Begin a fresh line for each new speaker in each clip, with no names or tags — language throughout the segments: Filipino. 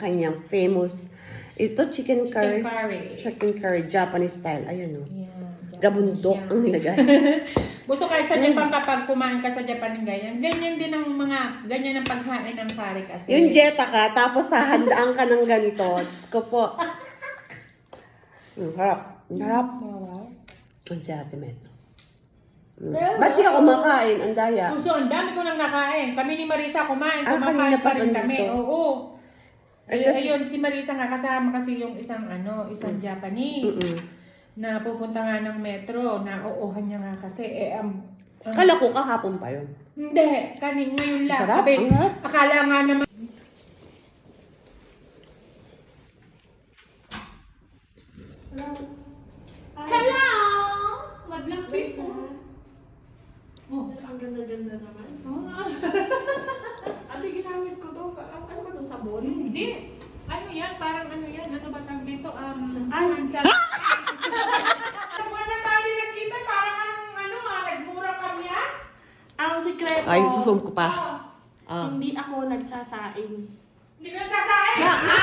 kanyang famous, ito chicken curry.
Chicken curry.
Chicken curry, Japanese style. Ayan o.
Yan,
Gabundok
Japanese
ang
yan.
nilagay.
Gusto kahit sa Japan kapag kumain ka sa Japan ng ganyan, ganyan din ang mga, ganyan ang paghain ng curry kasi.
Yung jeta ka, tapos hahandaan ka ng ganito. Diyos ko po. Harap. Harap. Ang si Ate Met. Ba't di ka kumakain? Ang daya.
Gusto, ang dami ko nang nakain. Kami ni Marisa kumain,
kanina
kumakain
pa
pa rin
ganito.
kami. Oo.
Ay, kasi-
Ayun, si Marisa nga kasama kasi yung isang Japanese na pupunta nga ng metro, na uuhan niya nga kasi.
Kala ko kahapon pa yun.
Hindi, ngayon lang.
Sarap,
Sabi,
ang harap.
akala nga naman. Hello! Maglang people.
Oh, ang ganda-ganda naman. Ate, ginamit ko to. Ano ba to? Sabon?
Hindi. Ano yan? Parang ano yan? Ano ba tawag dito?
Ansal.
Sabon na tayo nakita. Parang nagmura kamyas.
Ang sikreto.
Ay, susum ko pa. Ah.
Hindi ako nagsasaing.
Hindi ka nagsasahin.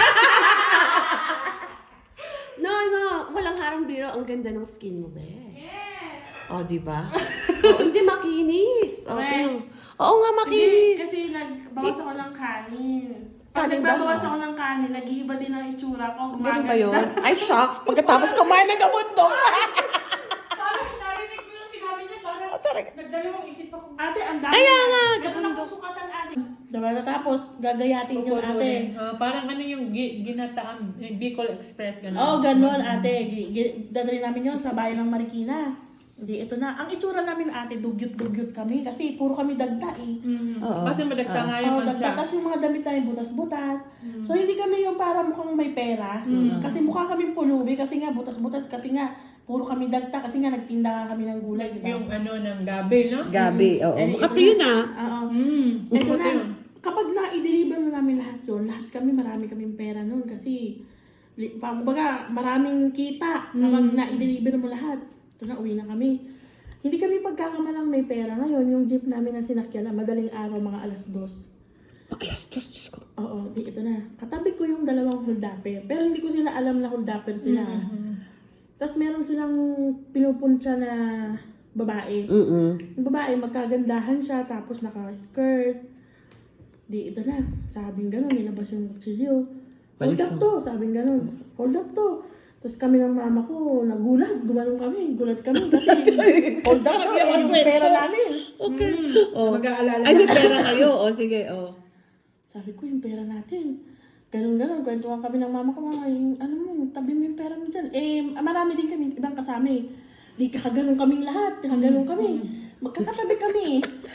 No, walang harang biro. Ang ganda ng skin mo, be.
Yes.
Oh, di ba? Oh, hindi makinis. Oh,
Correct.
tingnan. Oo nga,
Hindi,
makinis.
kasi nagbawas ako ng kanin. Pag
Kanin
nagbabawas
ba?
ako ng kanin, nag-iiba din ang itsura ko.
Ganun ba yun? Ay, shocks. Pagkatapos kumain ng gabundok.
Parang narinig ko yung sinabi niya. Parang
Talaga.
nagdalawang isip ako.
Ate, ang dami.
Kaya nga,
Meron
gabundok.
akong sukatan, ate. Diba, tapos gagayatin yun, ate.
Parang ano yung ginataang Bicol Express. Ganun.
Oo, ganun, ate. Dadali namin yun sa bayan ng Marikina. Hindi, ito na. Ang itsura namin, ate, dugyot-dugyot kami. Kasi puro kami dagta eh.
Oo.
Kasi madagta nga yung
Oo, dagta.
mancha.
Tapos yung mga damit namin butas-butas. So, hindi kami yung para mukhang may pera. Kasi mukha kami pulubi. Kasi nga, butas-butas. Kasi nga, puro kami dagta. Kasi nga, nagtinda nga kami ng gulay. Diba?
Yung ano ng gabi, no?
Gabi, oo.
Eh,
Makati
ito
yun
na.
ah.
Oo. Ito
Buti
na.
yun.
Kapag na-deliver na namin lahat yun, lahat kami, marami kaming pera nun. Kasi, kumbaga, maraming kita kapag na-deliver mo lahat. Ito na, uwi na kami. Hindi kami pagkakamalang may pera ngayon. Yung jeep namin na sinakyan na madaling araw, mga alas 2.
Alas dos, Diyos ko.
Oo, di ito na. Katabi ko yung dalawang holdapper. Pero hindi ko sila alam na holdapper sila. Tapos meron silang pinupunta na babae. Yung babae, magkagandahan siya, tapos naka-skirt. Di ito na. Sabing gano'n, nilabas yung kutsilyo. Hold up
Baliso.
to, sabing gano'n. Hold up to. Tapos kami ng mama ko, nagulat. Gumanong kami. Gulat kami kasi hold up to. Yung pera namin.
Okay. Oh.
Mag-aalala
Ay, may pera kayo. O, sige, o.
Sabi ko, yung pera natin. Ganun-ganun. Kwentuhan kami ng mama ko, mama, yung, ano mo, tabi mo yung pera mo dyan. Eh, marami din kami, ibang kasama eh. Di kakaganon kaming lahat. Kakaganon kami. Magkakatabi kami.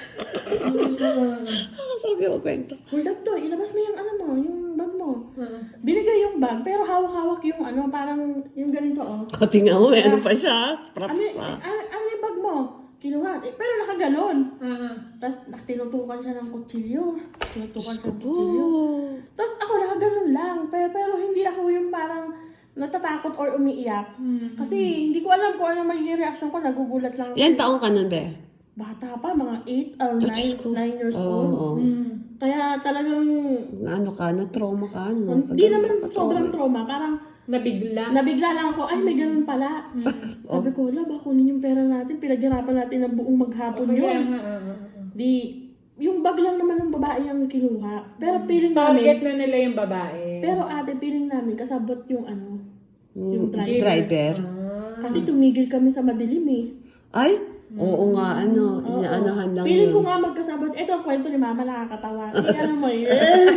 Sarap yung magkwento.
Hold up to, ilabas mo yung ano mo, yung bag mo. Binigay yung bag, pero hawak-hawak yung ano, parang yung ganito oh.
O, tingnan mo, may ano pa siya. Props pa.
Ano yung bag mo? Kinuha. Pero nakaganon. Tapos tinutukan siya ng kutsilyo. Tinutukan siya ng kutsilyo. Tapos ako nakaganon lang. Pero hindi ako yung parang natatakot or umiiyak. Kasi hindi ko alam kung ano magiging reaction ko. Nagugulat lang.
Ilan taong ka nun, be?
Bata pa, mga 8 or
Diyos ko.
9 years
Oo,
old.
oo.
Kaya talagang,
Ano ka, na-trauma ka, no?
hindi naman sobrang trauma. Parang nabigla lang ako, ay may ganun pala. Sabi ko, wala ba, kunin yung pera natin. Pinaghirapan natin ng buong maghapon yun. Di, yung bag lang naman ng babae ang kinuha. Pero feeling
Target
namin,
na nila yung babae.
pero ate, feeling namin, kasabot yung ano, yung driver.
Driver.
Kasi tumigil kami sa madilim eh.
Ay, oo nga, ano, inaanahan lang
Feeling
yun.
ko nga magkasabot. Ito ang kwento ni mama, nakakatawa. Eh, ano mo yun?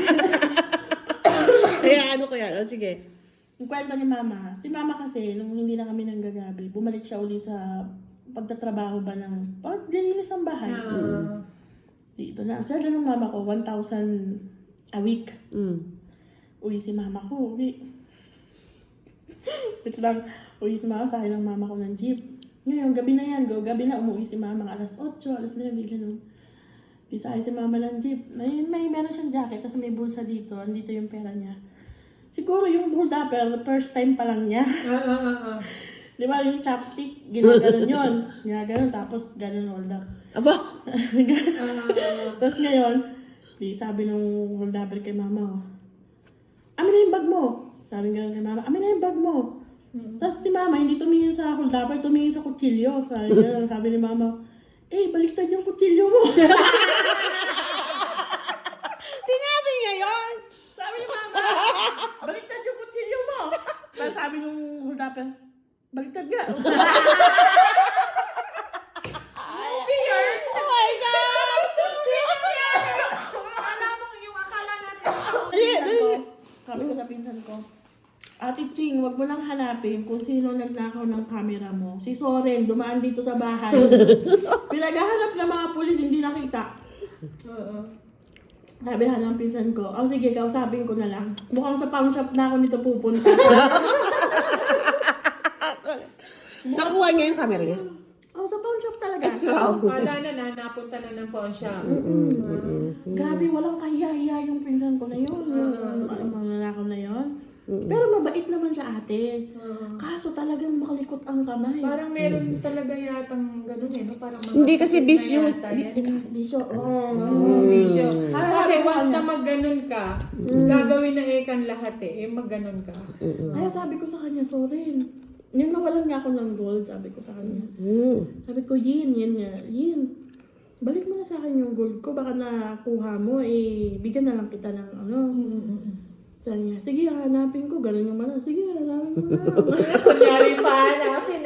Kaya ano ko yan, o sige.
Yung kwento ni mama, si mama kasi, nung hindi na kami nanggagabi, bumalik siya uli sa pagtatrabaho ba ng paglilinis ng bahay. Dito na. Sweldo ng mama ko, 1,000 a week. Uwi si mama ko, uwi. Wait lang, uwi si mama, sa akin ng mama ko ng jeep. Ngayon, gabi na yan, gabi na, umuwi si mama, alas 8, alas 9, ganun. Di sa akin si mama ng jeep. Meron siyang jacket, tapos may bulsa dito, andito yung pera niya. Siguro yung hold upper, first time pa lang niya. Di ba yung chopstick, ginaganon yun. Ginaganon, tapos ganon hold up.
Aba,
Tapos ngayon, di sabi nung hold upper kay mama, oh, amin na yung bag mo. Sabi nga kay mama, amin na yung bag mo. Tapos si mama, hindi tumingin sa holdaper, tumingin sa kutsilyo. Sabi ni mama, baliktad yung kutsilyo mo.
Sinabi niya yun.
Sabi ni mama, baliktad yung kutsilyo mo. Tapos sabi nung holdaper, baliktad nga.
Oh my God!
Akala natin
Sabi ko sa pinsan ko, Ate Ching, wag mo lang hanapin kung sino nagnakaw ng camera mo. Si Soren, dumaan dito sa bahay. Pinaghahanap ng mga pulis, hindi nakita. Sabi ng pinsan ko, sige, kausapin ko na lang. Mukhang sa pawn shop na ako nito pupunta.
Nakuha niya yung camera niya.
Sa pawn shop talaga.
Akala na napunta na ng phone shop.
Grabe, walang kahiya-hiya yung pinsan ko na yun. Mga lalakaw na yun. Pero mabait naman siya ate. Kaso talagang makalikot ang kamay.
Parang meron talaga yatang ganun no? Parang
Hindi kasi bisyo.
Bisyo.
Bisyo. Kasi
Sabi ko
once na
kanya,
mag-ganun ka, gagawin na ekan lahat mag-ganun ka.
Kaya sabi ko sa kanya, sorry. Yung nawalan nga ako ng gold, sabi ko sa kanya. Sabi ko, Yin. Balik mo na sa akin yung gold ko, baka nakuha mo, bigyan na lang kita ng ano. Sabi niya, sige, hanapin ko. Ganun yung mana. Sige, hanapin mo na.
Kunyari pa hanapin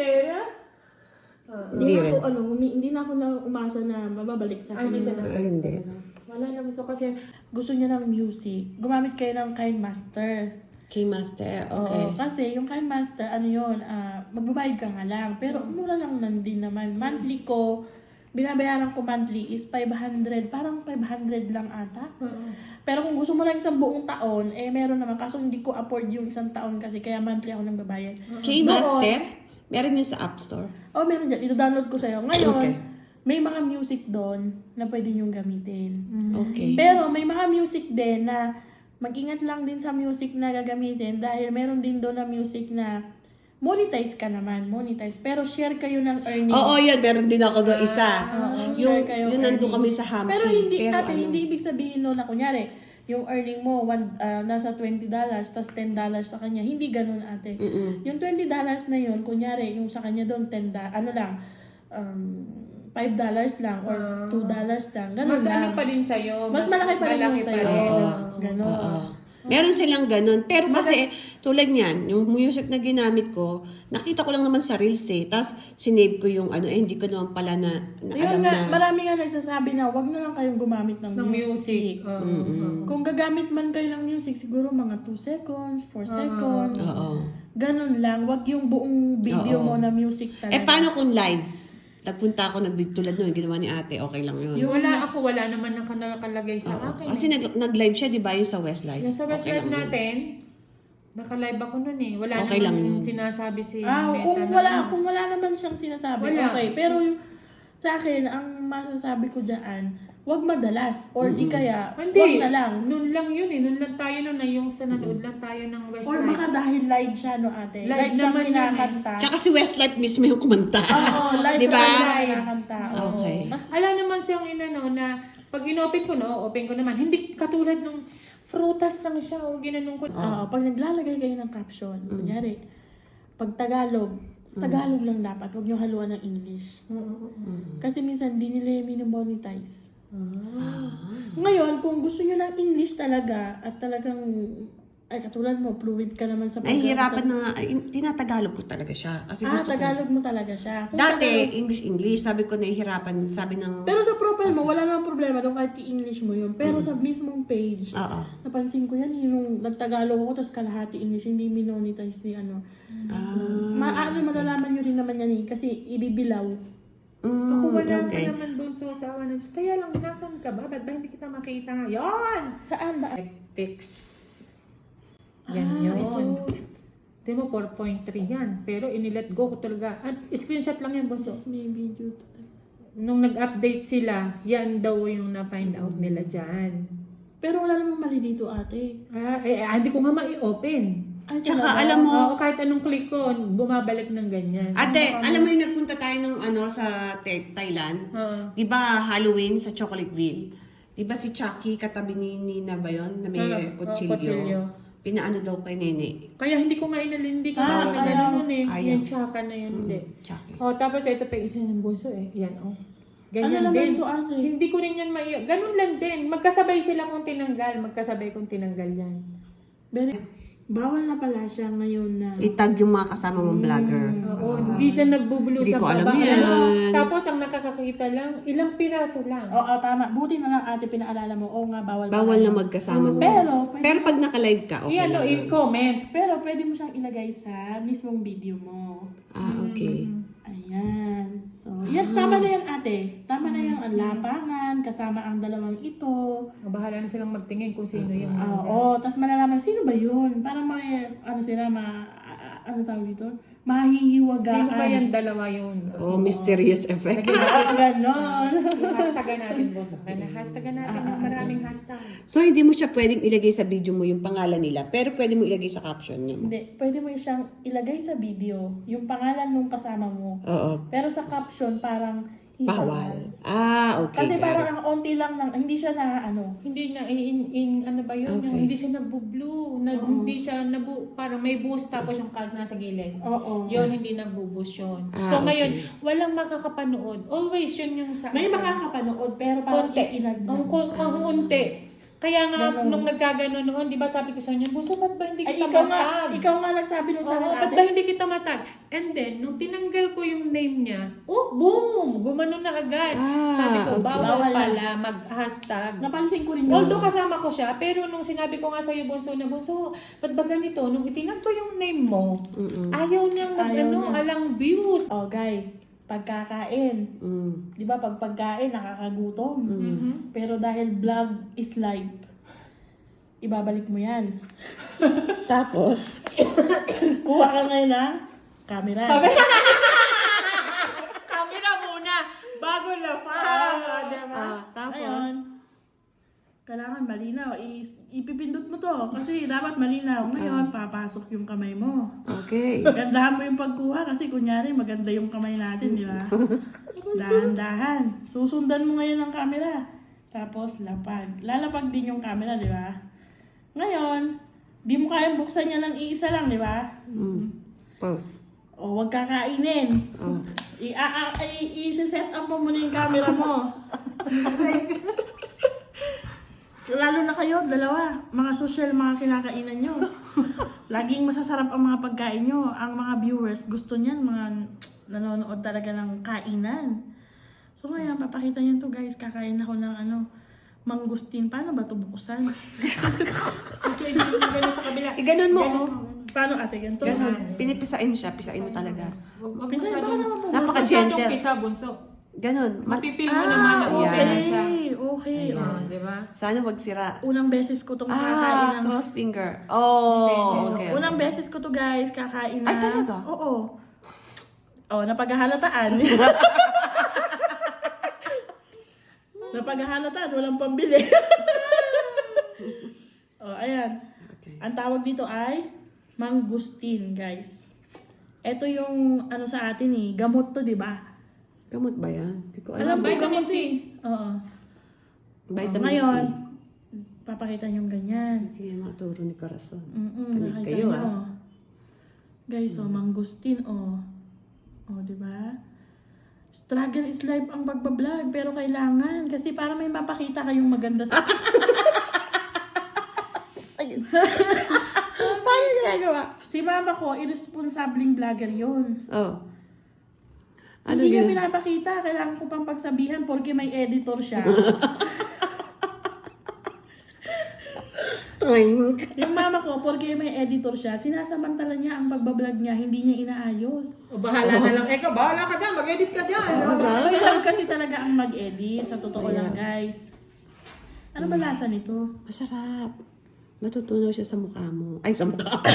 Hindi na ako umasa na mababalik sa akin.
Hindi.
Wala na gusto kasi
Gusto niya ng music. Gumamit kayo ng KineMaster.
Keymaster, okay.
Oo, kasi yung KineMaster, magbabayad ka nga lang. Pero mura lang din naman. Monthly ko, binabayaran ko monthly is 500. Parang 500 lang ata. Pero kung gusto mo lang isang buong taon, meron naman. Kaso hindi ko afford yung isang taon kasi kaya monthly ako nang babayad.
Keymaster? Meron yun sa App Store?
Meron dyan. Ito-download ko sa'yo. Ngayon,
Okay.
may mga music doon na pwede niyong gamitin.
Okay.
Pero may mga music din na mag-ingat lang din sa music na gagamitin dahil meron din doon na music na monetize ka naman. Pero share kayo ng earnings.
Oo, yun. Meron din ako doon isa.
Share kayo
Yung nandun
earnings.
kami sa Hampton.
Pero hindi ibig sabihin no na kunyari, yung earning mo nasa $20 tas $10 sa kanya. Hindi ganun ate. Yung $20 na yun, kunyari, yung sa kanya doon $10, $5 lang or $2 lang. Ganun
mas
lang.
ano pa din sa'yo.
Mas malaki pa rin yung sa'yo. Ganun.
Oo. Meron silang ganun. Pero kasi, tulad niyan, yung music na ginamit ko, nakita ko lang naman sa Reels Tapos, sinave ko yung hindi ko naman pala na alam
Ayun nga,
na.
marami nga nagsasabi na wag na lang kayong gumamit ng music.
music.
Kung gagamit man kayo ng music, siguro mga 2 seconds, 4 seconds.
Oo.
Ganun lang. Wag yung buong video mo na music talaga.
Paano kung live? Nagpunta ako, tulad nun, ginawa ni ate, okay lang yun.
Wala naman nakalagay sa akin.
Kasi nag-live siya, di ba, yung sa Westlife?
Yung sa Westlife
lang yun.
natin, naka-live ako nun Wala
Okay lang
naman
yun.
sinasabi si
Kung wala naman siyang sinasabi,
Wala.
okay. Pero yung, sa akin, ang masasabi ko dyan, wag madalas. Or di kaya,
Hindi.
wag na lang.
Noon lang yun Noon lang tayo na yung sa nanood lang tayo ng
Or
Westlife.
baka dahil live siya, no ate?
Live
Live siyang
naman yun
kinakanta.
Tsaka si Westlife mismo yung kumanta.
Oo, live
Di ba?
siya kinakanta. Oo.
Okay.
Mas
Ala naman siyang na pag inopen ko open ko naman. Hindi katulad nung frutas lang siya ginanong ko.
pag naglalagay kayo ng caption, kunyari, pag Tagalog lang dapat, huwag nyo haluan ng English. Kasi minsan, di nila yung minomonetize. Ngayon, kung gusto nyo ng English talaga, at talagang, katulad mo, fluent ka naman sa
Nahihirapan na, tinatagalog ko talaga siya. Kasi gusto ko.
Tagalog mo talaga siya. Kung
Dati, English, sabi ko nahihirapan, sabi ng.
Pero sa profile mo, wala namang problema doon kahit i-English mo yun. Pero sa mismong page,
Oo.
napansin ko yan, yung nagtagalog ako, tapos kalahati English, hindi minonetize ni ano. Malalaman nyo rin naman yan kasi ibibilaw.
Ako wala
okay.
pa naman bunso sa awan. Kaya lang, nasan ka ba? Ba't ba hindi kita makita ngayon?
Saan ba?
Fix. Yan yun. Di mo 4.3 yan. Pero inilet go ko talaga. Screenshot lang yan, bunso.
May video to.
Nung nag-update sila, yan daw yung na-find out nila dyan.
Pero wala namang mali dito, ate.
Hindi ko nga ma-i-open.
Tsaka alam mo,
Kahit anong click ko, bumabalik ng ganyan.
ate, alam mo yung nagpunta tayo ng sa Thailand? Di ba Halloween sa Chocolateville? Di ba si Chucky katabi ni Nina ba yun? Na may kutsilyo. Pinaano daw kay Nene.
Kaya hindi ko nga hindi ko
Ah,
nga
ayaw.
ganun eh.
Ayaw.
Yung tsaka na yun, hindi.
Tsaka.
Oh, tapos ito pa isa ng bunso eh. Yan, oh.
Ano
Ganyan
naman
din.
to, ate?
Hindi ko rin yan ganun lang din. Magkasabay sila kung tinanggal. Magkasabay kung tinanggal yan.
Bawal na pala siya ngayon na.
Itag yung mga kasama mong vlogger.
Oo, hindi siya nagbubulu
Hindi
sa
ko alam
baba.
yan.
Tapos ang nakakakita lang, ilang piraso lang.
Oo, tama. Buti na lang ate pinaalala mo. Oo nga, bawal.
Bawal na
pala.
magkasama.
Pero
Pag naka-live ka, okay
Iyan, no,
lang.
i-comment.
Pero pwede mo siyang ilagay sa mismong video mo.
Ah, okay.
Ayan. So, yan, tama na yan ate. Tama na yung lapangan, kasama ang dalawang ito.
Bahala na silang magtingin kung sino yung
Oo, tapos malalaman, sino ba yun? Para may, ano sila, ano tawag dito? Mahihiwagaan.
Sino ba yung dalawa yun?
Oh, mysterious effect.
Ganon.
Hashtagan natin, boss. Hashtagan natin ng maraming hashtag.
So, hindi mo siya pwedeng ilagay sa video mo yung pangalan nila, pero pwede mo ilagay sa caption niya.
Hindi, pwede mo siyang ilagay sa video, yung pangalan ng kasama mo.
Oo.
Pero sa caption, parang
Bawal. Ah, okay.
Kasi
got it.
parang ang onti lang, hindi siya na, ano,
Hindi na, ano ba yun?
Okay.
Yung hindi siya nagbo-blue. Hindi siya, parang may boost tapos yung card nasa gilid.
oo.
Yun, hindi nagbo-boost yun.
Ah,
So ngayon,
okay.
walang makakapanood. Always yun yung sa
May makakapanood, pero parang
konti.
iinag na.
Ang unti. Kaya nga,
Ganun.
nung nagkagano noon, di ba sabi ko sa kanya, Buso, ba't ba hindi
Ay,
kita matag?
ikaw nga nagsabi nung sa
Oo,
akin
ba't ba hindi kita matag? And then, nung tinanggal ko yung name niya, boom! Gumano na agad.
Ah,
Sabi ko,
okay.
bawal
Bawal
pala mag-hashtag.
Napansin ko rin yun.
Although kasama ko siya, pero nung sinabi ko nga sa'yo, Bunso, na Bunso, ba't ba ganito? Nung itinag ko yung name mo, ayaw niyang
Ayaw niya.
alang views.
Oh, guys, pagkakain.
Mm.
Di ba, pag pagkain, nakakagutom. Pero dahil vlog is live, ibabalik mo yan.
Tapos,
Kuha ka ngayon ng camera.
Camera muna, bago na pa.
tapos,
Ayun. Kailangan malinaw. Ipipindot mo to. Kasi dapat malinaw. Ngayon, papasok yung kamay mo.
okay.
Gandahan mo yung pagkuha kasi kunyari maganda yung kamay natin, di ba? Dahan-dahan. Susundan mo ngayon ang camera. Tapos lapag. Lalapag din yung camera, di ba? Ngayon, di mo kayang buksan niya ng iisa lang, di ba?
Pause.
O, huwag kakainin.
Oh.
I-set up mo muna yung camera mo. Lalo na kayo, dalawa. Mga social, mga kinakainan nyo. Laging masasarap ang mga pagkain nyo. Ang mga viewers, gusto niyan, mga nanonood talaga ng kainan. So ngayon, papakita nyo to guys. Kakain ako ng mangustin. Paano ba ito bukusan?
Kasi hindi mo ganun sa kabila.
Ganon mo, oh.
Paano ate, ganito?
Ganon. Pinipisain siya. Pisain mo talaga.
Wag
Pisain, baka naman po.
Napaka-gentle.
Masyadong pisa, Bunso.
Ganon.
Mapipil mo naman na okay na siya.
Okay.
Oh, di ba?
Sana wag sira.
Unang beses ko itong kakain ng...
Cross finger. Oh, okay.
Unang beses ko to guys, kakain na.
Ay, talaga?
Oo. Oh, napaghahalataan. Napaghahalataan, walang pambili. Oh, ayan.
Okay.
Ang tawag dito ay mangustin, guys. Ito yung sa atin gamot to, di ba?
Gamot ba yan? Hindi ko
Alam
alam.
mo,
Vitamin
gamot
C.
Oo.
Vitamin
Ngayon,
C.
papakita nyo ganyan.
Hindi yan makaturo ni Corazon.
Nakita
kayo,
nyo. Guys, mangustin, di ba? Struggle is life ang pagbablog, pero kailangan. Kasi para may mapakita kayong maganda sa...
Paano ginagawa?
Si mama ko, irresponsibleng vlogger yun.
Oh. Ano
Hindi niya
gina-
pinapakita. Kailangan ko pang pagsabihan porque may editor siya. Yung mama ko, porque may editor siya, sinasamantala niya ang pagbablog niya, hindi niya inaayos.
O, bahala na lang. Eka, bahala ka dyan. Mag-edit ka dyan.
Kailangan kasi talaga ang mag-edit. Sa totoo lang, guys. Ano ba lasa nito?
Masarap. Matutunaw siya sa mukha mo. Ay, sa mukha mo.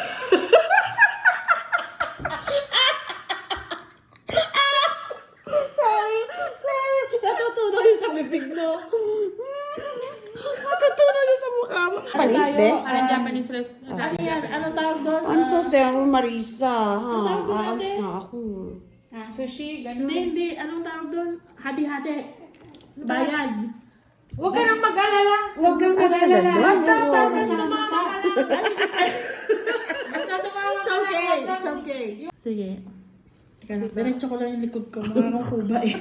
Sorry. Natutunaw siya sa bibig mo. Matutunaw siya sa mukha mo. Panis, be?
Parang Japanese restaurant.
Ano yan? Ano tawag doon?
I'm so sorry, Marisa. Ha?
tawag doon,
Aalis
ate?
na ako.
Sushi, ganun.
Hindi. Anong tawag doon? Hati-hati. Bayad.
Huwag ka nang mag-alala.
Huwag kang mag-alala.
Basta
Basta
sumama ka lang. Basta sumama
It's
ka lang.
okay, it's okay.
Sige. Teka lang, diretso ko lang yung likod ko. Makakakuba eh.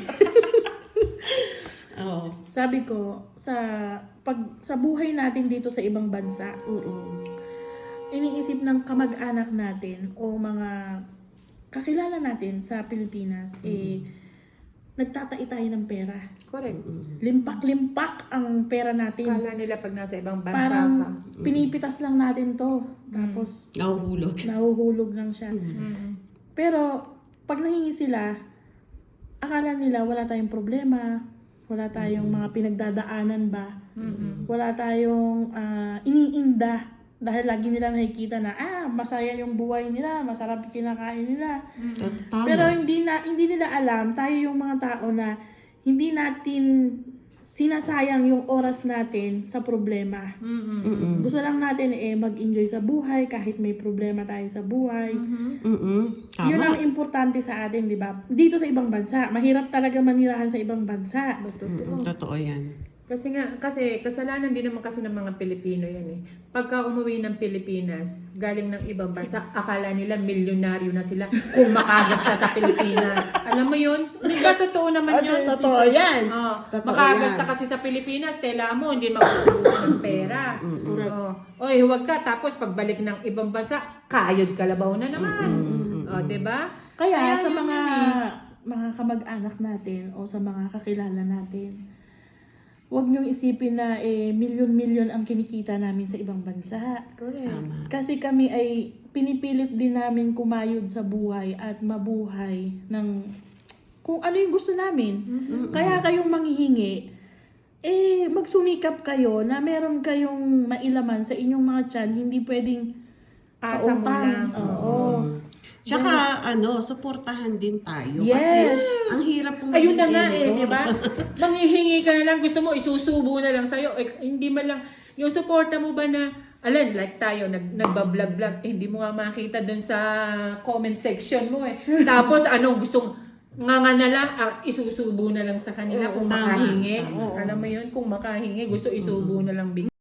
Oo.
Sabi ko, sa buhay natin dito sa ibang bansa, iniisip ng kamag-anak natin o mga kakilala natin sa Pilipinas, nagtatai tayo ng pera.
Correct.
Limpak-limpak ang pera natin.
Kala nila pag nasa ibang bansa ka.
Parang pinipitas lang natin to. Tapos,
Nahuhulog.
nahuhulog lang siya. Pero, pag nahingi sila, akala nila wala tayong problema, wala tayong mga pinagdadaanan ba, wala tayong iniinda. Dahil lagi nila nakikita na, masaya yung buhay nila, masarap kinakain nila.
Tama.
Pero hindi nila alam, tayo yung mga tao na hindi natin sinasayang yung oras natin sa problema. Gusto lang natin mag-enjoy sa buhay kahit may problema tayo sa buhay.
Tama.
Yun ang importante sa atin, di ba? Dito sa ibang bansa, mahirap talaga manirahan sa ibang bansa.
Totoo yan.
Kasi kasalanan din naman kasi ng mga Pilipino yan eh. Pagka umuwi ng Pilipinas, galing ng ibang bansa, akala nila milyonaryo na sila kung makagasta sa Pilipinas. Alam mo yun? Diba totoo naman yun?
Totoo yan.
Totoo makagasta kasi sa Pilipinas, tela mo, hindi makukuha ng pera. Oy, huwag ka. Tapos pagbalik ng ibang bansa, kayod kalabaw na naman. Diba?
Kaya sa
yun
mga
yun eh.
mga kamag-anak natin o sa mga kakilala natin, huwag niyong isipin na milyon-milyon ang kinikita namin sa ibang bansa.
Correct.
Kasi kami ay pinipilit din namin kumayod sa buhay at mabuhay ng kung ano yung gusto namin. Kaya kayong manghihingi, magsumikap kayo na meron kayong mailaman sa inyong mga tiyan, hindi pwedeng
Asa mo
pautang.
lang.
Oo.
Tsaka, suportahan din tayo.
Yes.
Kasi, ang hirap pong
Ayun na nga
ganito.
di ba? Manghihingi ka na lang, gusto mo, isusubo na lang sa'yo. Hindi man lang, yung suporta mo ba na, like tayo, nagbablog-vlog, hindi mo nga makita dun sa comment section mo eh. Tapos, gustong, nga na lang, isusubo na lang sa kanila kung
Tama.
makahingi. Alam mo yun, kung makahingi, gusto isubo na lang bigla.